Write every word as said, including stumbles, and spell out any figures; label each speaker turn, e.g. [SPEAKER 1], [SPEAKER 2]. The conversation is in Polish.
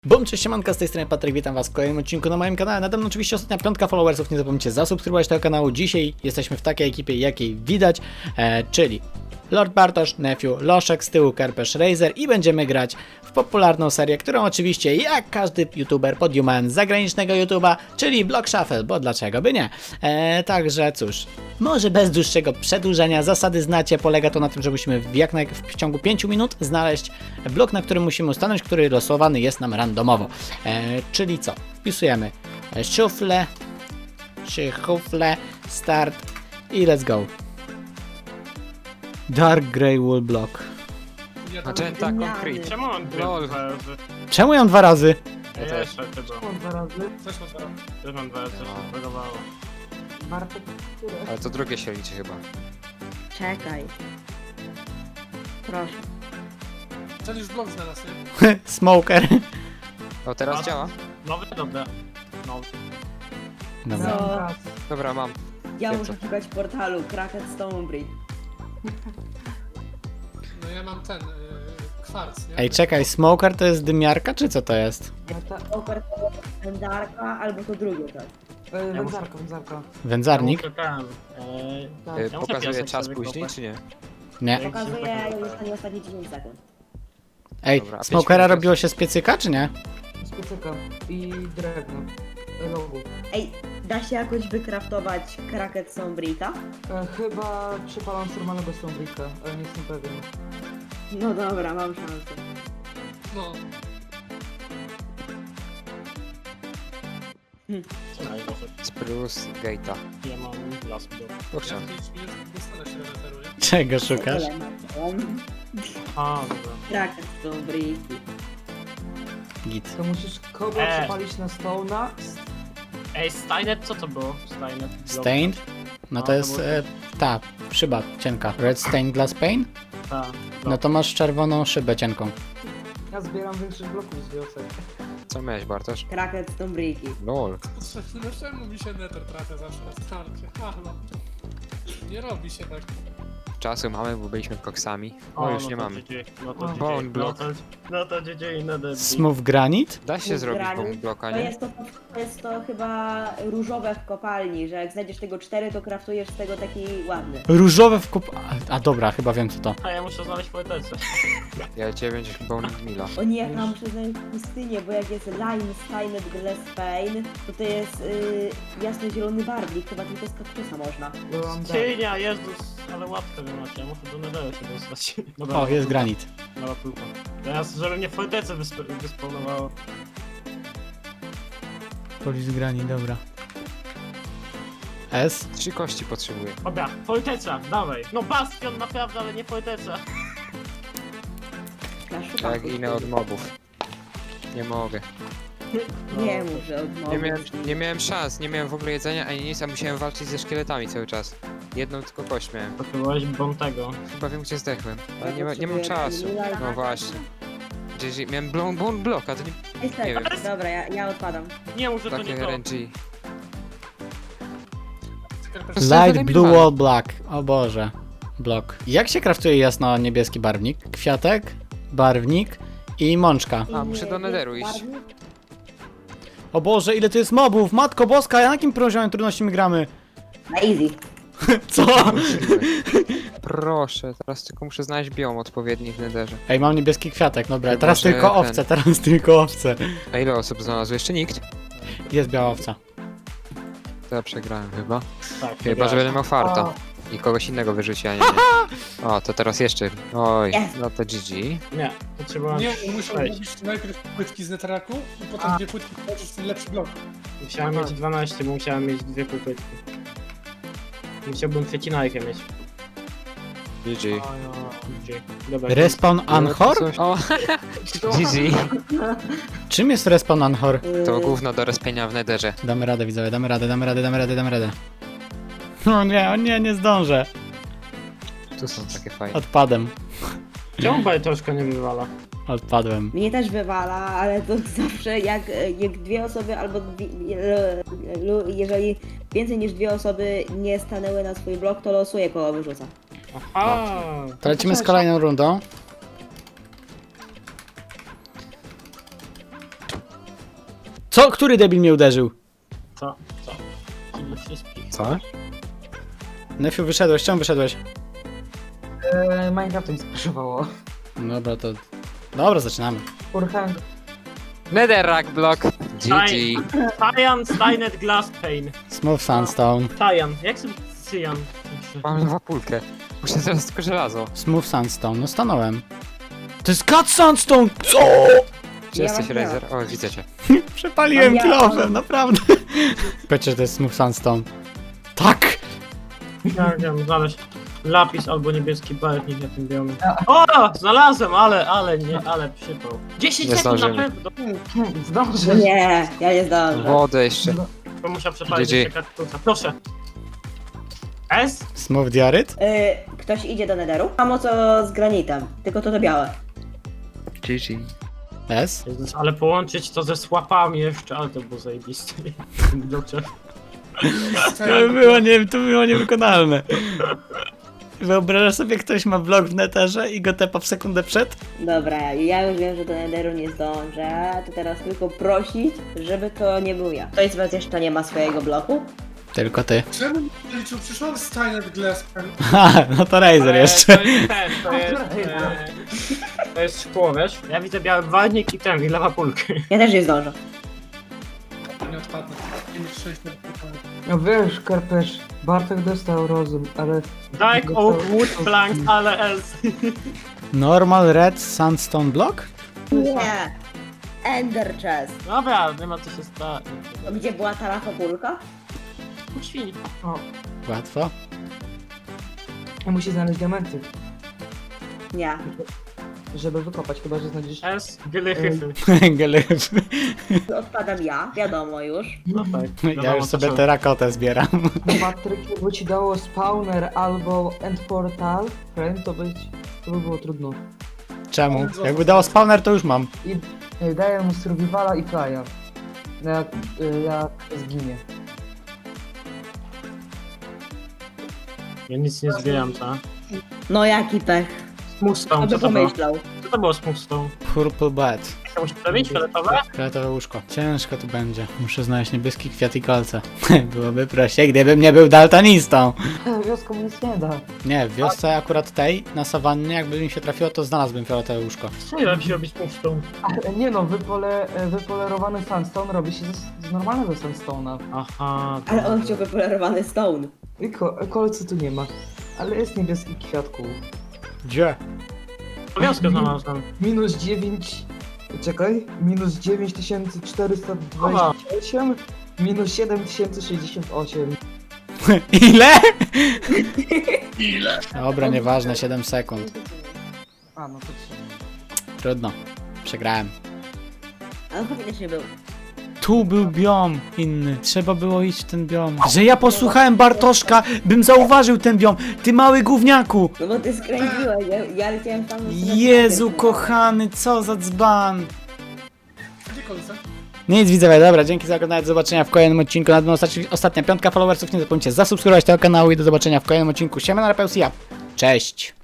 [SPEAKER 1] Bum, cześć, siemanka, z tej strony Patryk, witam was w kolejnym odcinku na moim kanale. Nade mną oczywiście ostatnia piątka followersów, nie zapomnijcie zasubskrybować tego kanału. Dzisiaj jesteśmy w takiej ekipie, jakiej widać, e, czyli Lord Bartosz, Nephew, Loszek, z tyłu Kerpesz, Razer i będziemy grać w popularną serię, którą oczywiście jak każdy youtuber podjumałem z zagranicznego YouTube'a, czyli Block Shuffle, bo dlaczego by nie. E, także cóż, może bez dłuższego przedłużenia, zasady znacie, polega to na tym, że musimy w, jak naj, w ciągu pięciu minut znaleźć blok, na którym musimy ustanąć, który losowany jest nam randomowo. E, czyli co? Wpisujemy szufle, szufle, start i let's go. Dark Grey Wool Block.
[SPEAKER 2] Magenta Concrete.
[SPEAKER 3] Czemu on dwie
[SPEAKER 2] Lol.
[SPEAKER 3] dwa razy?
[SPEAKER 1] Czemu ją dwa razy?
[SPEAKER 3] Ja
[SPEAKER 2] też.
[SPEAKER 3] jeszcze chyba.
[SPEAKER 4] Mam dwa razy.
[SPEAKER 3] Też mam dwa razy. Też mam dwa razy, coś
[SPEAKER 2] No.
[SPEAKER 3] się zbagowało.
[SPEAKER 4] Bartek, które?
[SPEAKER 2] Ale to drugie się liczy chyba.
[SPEAKER 5] Czekaj. Proszę.
[SPEAKER 6] Ten już blok znalazł, nie?
[SPEAKER 1] Smoker.
[SPEAKER 2] O, teraz
[SPEAKER 3] A.
[SPEAKER 2] działa?
[SPEAKER 3] Nowy? Dobra. Nowy.
[SPEAKER 1] Dobra.
[SPEAKER 5] Co?
[SPEAKER 4] Raz.
[SPEAKER 2] Dobra, mam.
[SPEAKER 5] Ja
[SPEAKER 2] Wiem,
[SPEAKER 5] muszę
[SPEAKER 2] co.
[SPEAKER 5] szukać portalu Kraken Stonebridge.
[SPEAKER 6] No ja mam ten, yy, kwarc, nie?
[SPEAKER 1] Ej, czekaj, Smoker to jest dymiarka, czy co to jest?
[SPEAKER 4] Ja ta...
[SPEAKER 5] Poker to jest wędarka, albo to drugie tak.
[SPEAKER 4] E,
[SPEAKER 3] Ja
[SPEAKER 4] wędzarka, wędzarka.
[SPEAKER 1] Wędzarnik?
[SPEAKER 3] Ja muszę ten, eee,
[SPEAKER 4] Tak.
[SPEAKER 2] Y,
[SPEAKER 3] Ja muszę
[SPEAKER 2] Pokazuje
[SPEAKER 3] piasek
[SPEAKER 2] czas
[SPEAKER 3] sobie
[SPEAKER 2] później,
[SPEAKER 3] kopać.
[SPEAKER 2] czy nie?
[SPEAKER 1] Nie.
[SPEAKER 5] Pokazuję już ostatnie dziesięć sekund.
[SPEAKER 1] Ej,
[SPEAKER 2] Dobra, a pięć
[SPEAKER 1] Smokera
[SPEAKER 2] minut
[SPEAKER 1] robiło się z piecyka, czy nie?
[SPEAKER 4] Z piecyka i drewno. E, Logu.
[SPEAKER 5] Ej, da się jakoś wykraftować Kraken Stonebridge'a?
[SPEAKER 4] E, chyba przypalam z normalnego Stonebricka, ale nie jestem pewien.
[SPEAKER 5] No dobra, mam szansę.
[SPEAKER 6] No,
[SPEAKER 3] Co najgorsze?
[SPEAKER 2] Spruce Gate'a.
[SPEAKER 3] Ja mam las do.
[SPEAKER 2] To
[SPEAKER 6] ja
[SPEAKER 2] chciałem.
[SPEAKER 6] w pięć minut dostanę się reweteru, nie?
[SPEAKER 1] Czego szukasz?
[SPEAKER 5] Tyle mam.
[SPEAKER 3] A, dobra.
[SPEAKER 5] Kraken Stonebridge.
[SPEAKER 1] Git.
[SPEAKER 4] To musisz kobra
[SPEAKER 3] E.
[SPEAKER 4] przypalić na Stone'a.
[SPEAKER 3] Ej, Steinet, co to było? Steinet.
[SPEAKER 1] Stained? No to
[SPEAKER 3] No,
[SPEAKER 1] jest
[SPEAKER 3] to
[SPEAKER 1] e, ta szyba cienka. Red Stained Glass Pane?
[SPEAKER 3] Tak.
[SPEAKER 1] No to masz czerwoną szybę cienką.
[SPEAKER 4] Ja zbieram większość bloków z wiosek.
[SPEAKER 2] Co miałeś, Bartosz?
[SPEAKER 5] Kraken Stonebridge.
[SPEAKER 2] Lol.
[SPEAKER 6] No czemu mi się nether trafia zawsze na starcie? Halo. Nie robi się tak.
[SPEAKER 2] Czasu mamy, bo byliśmy koksami. O, już
[SPEAKER 3] no
[SPEAKER 2] nie
[SPEAKER 3] to
[SPEAKER 2] mamy.
[SPEAKER 3] G G, No to
[SPEAKER 4] O.
[SPEAKER 3] G G.
[SPEAKER 2] Bone
[SPEAKER 3] No
[SPEAKER 2] block.
[SPEAKER 3] to, no to G G i Nether.
[SPEAKER 1] Smooth Granite?
[SPEAKER 2] Da się
[SPEAKER 5] Smooth
[SPEAKER 2] zrobić
[SPEAKER 5] granite.
[SPEAKER 2] bone bloka,
[SPEAKER 5] To
[SPEAKER 2] nie?
[SPEAKER 5] jest to, to jest to chyba różowe w kopalni, że jak znajdziesz tego cztery, to kraftujesz z tego taki ładny.
[SPEAKER 1] Różowe w kup... A, a dobra, chyba wiem co to.
[SPEAKER 3] A ja muszę znaleźć poetece.
[SPEAKER 2] Ja dziewięć bone mila.
[SPEAKER 5] O nie, ja muszę znaleźć pustynię, bo jak jest lime, steinet, glass pane, to to jest y, jasno-zielony barwnik, chyba tylko z kaktusa można.
[SPEAKER 4] Bo mam dar.
[SPEAKER 3] Cienia, Jezus, ale łatwe wy macie, ja muszę do Netheru się dostać. Dobra,
[SPEAKER 1] O, jest granit.
[SPEAKER 3] mała kulka. Teraz, żeby mnie w fortece wysp wyspawnowało.
[SPEAKER 1] Polis granit, dobra. S?
[SPEAKER 2] Trzy kości potrzebuję.
[SPEAKER 3] Dobra, forteca, dawaj. No bastion naprawdę, ale nie forteca.
[SPEAKER 5] Ja szukam
[SPEAKER 2] Jak inne od mobów. Nie mogę.
[SPEAKER 5] Nie mów, że od
[SPEAKER 2] Nie
[SPEAKER 5] mowy.
[SPEAKER 2] miałem, nie miałem szans, nie miałem w ogóle jedzenia ani nic, a musiałem walczyć ze szkieletami cały czas. Jedną tylko kość miałem.
[SPEAKER 3] Potrzebowałeś Bontego.
[SPEAKER 2] Chyba wiem gdzie zdechłem. Ale
[SPEAKER 5] Ja
[SPEAKER 2] nie, ma, nie mam
[SPEAKER 5] potrzebuję
[SPEAKER 2] czasu.
[SPEAKER 5] Lila-
[SPEAKER 2] No właśnie. G G. Miałem bone, bone block, a to nie
[SPEAKER 5] Jest
[SPEAKER 2] nie wiem.
[SPEAKER 5] tak, dobra, ja, ja odpadam.
[SPEAKER 3] Nie mów, że to nie
[SPEAKER 2] takie
[SPEAKER 3] to.
[SPEAKER 2] R N G.
[SPEAKER 1] Light Blue Wall Black. O Boże. Blok. Jak się kraftuje jasno-niebieski barwnik? Kwiatek, barwnik i mączka.
[SPEAKER 2] A, muszę do Netheru iść.
[SPEAKER 5] Barwnik?
[SPEAKER 1] O Boże, ile tu jest mobów! Matko Boska, na jakim poziomie trudności my gramy?
[SPEAKER 5] Na easy.
[SPEAKER 1] Co?
[SPEAKER 2] Proszę, teraz tylko muszę znaleźć biom odpowiedni w Netherze.
[SPEAKER 1] Ej, mam niebieski kwiatek, dobra,
[SPEAKER 2] Chyba,
[SPEAKER 1] teraz
[SPEAKER 2] że
[SPEAKER 1] tylko
[SPEAKER 2] ten-
[SPEAKER 1] owce, teraz tylko owce.
[SPEAKER 2] A ile osób znalazło? Jeszcze nikt?
[SPEAKER 1] Jest biała owca.
[SPEAKER 2] To ja przegrałem chyba.
[SPEAKER 3] Tak,
[SPEAKER 2] Chyba, że będę miał farta.
[SPEAKER 4] O,
[SPEAKER 2] I kogoś innego wyrzuci, a nie nie. O, to teraz jeszcze. Oj,
[SPEAKER 5] Yes.
[SPEAKER 2] no to G G.
[SPEAKER 3] Nie, potrzebowałem
[SPEAKER 6] Nie, musiał
[SPEAKER 3] sześć.
[SPEAKER 6] robić najpierw płytki z neteraku i potem
[SPEAKER 3] A.
[SPEAKER 6] dwie płytki włożyć w ten lepszy blok.
[SPEAKER 3] Musiałem mieć dwanaście, bo musiałem mieć dwie półpytki. Musiałbym przecinajkę mieć.
[SPEAKER 2] G G.
[SPEAKER 3] A, ja... Gdzie? Dobra.
[SPEAKER 1] Respawn Anhor?
[SPEAKER 2] O, G G.
[SPEAKER 1] Czym jest respawn Anhor?
[SPEAKER 2] To
[SPEAKER 5] Y,
[SPEAKER 2] gówno do respienia w Netherze.
[SPEAKER 1] Damy radę, widzowie, damy radę, damy radę, damy radę, damy radę. O nie, o nie, nie zdążę.
[SPEAKER 2] Tu są takie fajne.
[SPEAKER 1] Odpadem.
[SPEAKER 3] Czemu bajtoszka nie wywala?
[SPEAKER 1] Odpadłem.
[SPEAKER 5] Mnie też wywala, ale to zawsze jak, jak dwie osoby albo dwie, e, lu- jeżeli więcej niż dwie osoby nie stanęły na swój blok, to losuję koło wyrzuca.
[SPEAKER 3] Aha!
[SPEAKER 1] To lecimy z kolejną rundą. Co? Który debil mnie uderzył?
[SPEAKER 3] Co? Co? Czyli wszystkich.
[SPEAKER 2] Co?
[SPEAKER 1] Nefiu, wyszedłeś, czemu wyszedłeś?
[SPEAKER 4] E, Minecraftem skraszowało.
[SPEAKER 1] Dobra, to... Dobra, zaczynamy.
[SPEAKER 4] Urhang.
[SPEAKER 2] Netherrack block. G G.
[SPEAKER 3] Cyan, Steinet, Glass Pane.
[SPEAKER 1] Smooth Sandstone.
[SPEAKER 3] Cyan, jak sobie Cyan?
[SPEAKER 2] Mam lewapulkę. Muszę teraz tylko żelazo.
[SPEAKER 1] Smooth Sandstone, no stanąłem. To jest Cut Sandstone! Co?
[SPEAKER 2] Gdzie
[SPEAKER 5] Ja
[SPEAKER 2] jesteś,
[SPEAKER 5] was nie mam.
[SPEAKER 2] Razer? O, widzę cię.
[SPEAKER 1] Przepaliłem
[SPEAKER 5] Ja-
[SPEAKER 1] kilofem, naprawdę. Powiedzcie, że to jest Smooth Sandstone. Tak!
[SPEAKER 3] Ja wiem, znaleźć lapis albo niebieski barwnik na tym biomie. O! Znalazłem, ale, ale nie, ale przypał. dziesięć
[SPEAKER 2] Nie
[SPEAKER 3] sekund na
[SPEAKER 2] zdążymy.
[SPEAKER 3] pewno.
[SPEAKER 4] Zdążę.
[SPEAKER 5] Nie, ja nie zdążę.
[SPEAKER 2] Wodę jeszcze.
[SPEAKER 3] To musiał przepalić
[SPEAKER 2] G G.
[SPEAKER 3] jeszcze kaktusa. Proszę. S?
[SPEAKER 1] Smooth Diaryt?
[SPEAKER 5] Y, ktoś idzie do Netheru? Samo co z granitem, tylko to to białe.
[SPEAKER 2] G G.
[SPEAKER 1] S?
[SPEAKER 3] Jezus, ale połączyć to ze słapami jeszcze, ale to było zajebiste. Dobrze.
[SPEAKER 1] To by było, nie, to by było niewykonalne. Wyobrażasz sobie, ktoś ma blok w neterze i go tepa w sekundę przed?
[SPEAKER 5] Dobra, ja już wiem, że do Netheru nie zdążę, to teraz tylko prosić, żeby to nie był ja. Ktoś z was jeszcze nie ma swojego bloku?
[SPEAKER 1] Tylko ty.
[SPEAKER 6] Czemu nie liczył? Przyszłam Steiner Glass Pen.
[SPEAKER 1] Ha, no to Razer
[SPEAKER 3] Ale
[SPEAKER 1] jeszcze.
[SPEAKER 3] To jest ten, to jest, e, to jest szkło, wiesz? Ja widzę biały barwnik i ten, i lewa pulkę.
[SPEAKER 5] Ja też nie zdążę.
[SPEAKER 6] Nie odpadnę. Nie mieć szczęścia.
[SPEAKER 4] No wiesz, Karpesz, Bartek dostał rozum, ale...
[SPEAKER 3] Dark Oak Wood Plank, ale else.
[SPEAKER 1] Normal Red Sandstone Block?
[SPEAKER 5] Nie. Ender Chest.
[SPEAKER 3] Dobra, nie ma co się stać.
[SPEAKER 5] To gdzie była ta lafopulka?
[SPEAKER 3] Świni.
[SPEAKER 4] O,
[SPEAKER 1] Łatwo.
[SPEAKER 4] ja musi znaleźć diamenty,
[SPEAKER 5] Nie.
[SPEAKER 4] żeby wykopać, chyba że znajdziesz...
[SPEAKER 3] S, glychyfy.
[SPEAKER 1] Gelyf.
[SPEAKER 5] Odpadam ja, wiadomo już.
[SPEAKER 3] No tak.
[SPEAKER 1] Ja
[SPEAKER 3] wiadomo,
[SPEAKER 1] już
[SPEAKER 3] co
[SPEAKER 1] sobie
[SPEAKER 3] trzeba.
[SPEAKER 1] terakotę zbieram.
[SPEAKER 4] Patryk, jakby ci dało spawner albo end portal, frame, to, być, to by było trudno.
[SPEAKER 1] Czemu? Jakby dało spawner, to już mam.
[SPEAKER 4] I y, daję mu survivala i flya. Jak, y, jak zginie.
[SPEAKER 3] Ja nic nie zbieram, co?
[SPEAKER 5] No jaki pech.
[SPEAKER 3] Smoothstone,
[SPEAKER 5] Kto
[SPEAKER 3] co
[SPEAKER 5] by
[SPEAKER 3] to było?
[SPEAKER 5] pomyślał?
[SPEAKER 3] Co to było smoothstone?
[SPEAKER 1] Purple Bed.
[SPEAKER 3] To musi przebić, fioletowe?
[SPEAKER 1] Fioletowe łóżko. Ciężko tu będzie. Muszę znaleźć niebieski kwiat i kolce. Byłoby prościej, gdybym nie był daltonistą.
[SPEAKER 4] Wioską nic nie da.
[SPEAKER 1] Nie, w wiosce akurat tej, na sawannie, jakby mi się trafiło, to znalazłbym fioletowe łóżko.
[SPEAKER 3] Co nie da się robić smoothstone?
[SPEAKER 4] Ale nie no, wypole, wypolerowany sandstone robi się z, z normalnego sandstone'a.
[SPEAKER 3] Aha.
[SPEAKER 5] Ale on chciał wypolerowany stone.
[SPEAKER 4] I ko kolcy tu nie ma. Ale jest niebieski kwiatku.
[SPEAKER 1] Gdzie?
[SPEAKER 3] Wioskę znalazłem.
[SPEAKER 4] Minus dziewięć... Czekaj. Minus dziewięć tysięcy czterysta dwadzieścia osiem. Minus siedem tysięcy sześćdziesiąt osiem.
[SPEAKER 1] Ile? Ile? Dobra, nieważne, siedem sekund.
[SPEAKER 4] A, no to trzy.
[SPEAKER 1] Trudno. Przegrałem.
[SPEAKER 5] Ale faktycznie był.
[SPEAKER 1] Tu był biom inny. Trzeba było iść w ten biom. Że ja posłuchałem Bartoszka, bym zauważył ten biom. Ty mały gówniaku.
[SPEAKER 5] No bo ty skręciłeś, ja, ja leciałem tam...
[SPEAKER 1] Jezu kochany, co za dzban.
[SPEAKER 6] Gdzie kolce?
[SPEAKER 1] Nic widzowie, dobra, dzięki za oglądanie, do zobaczenia w kolejnym odcinku. Na ostatnia, ostatnia piątka followersów, nie zapomnijcie zasubskrybować tego kanału i do zobaczenia w kolejnym odcinku. Siema na Rapeus i ja. Cześć.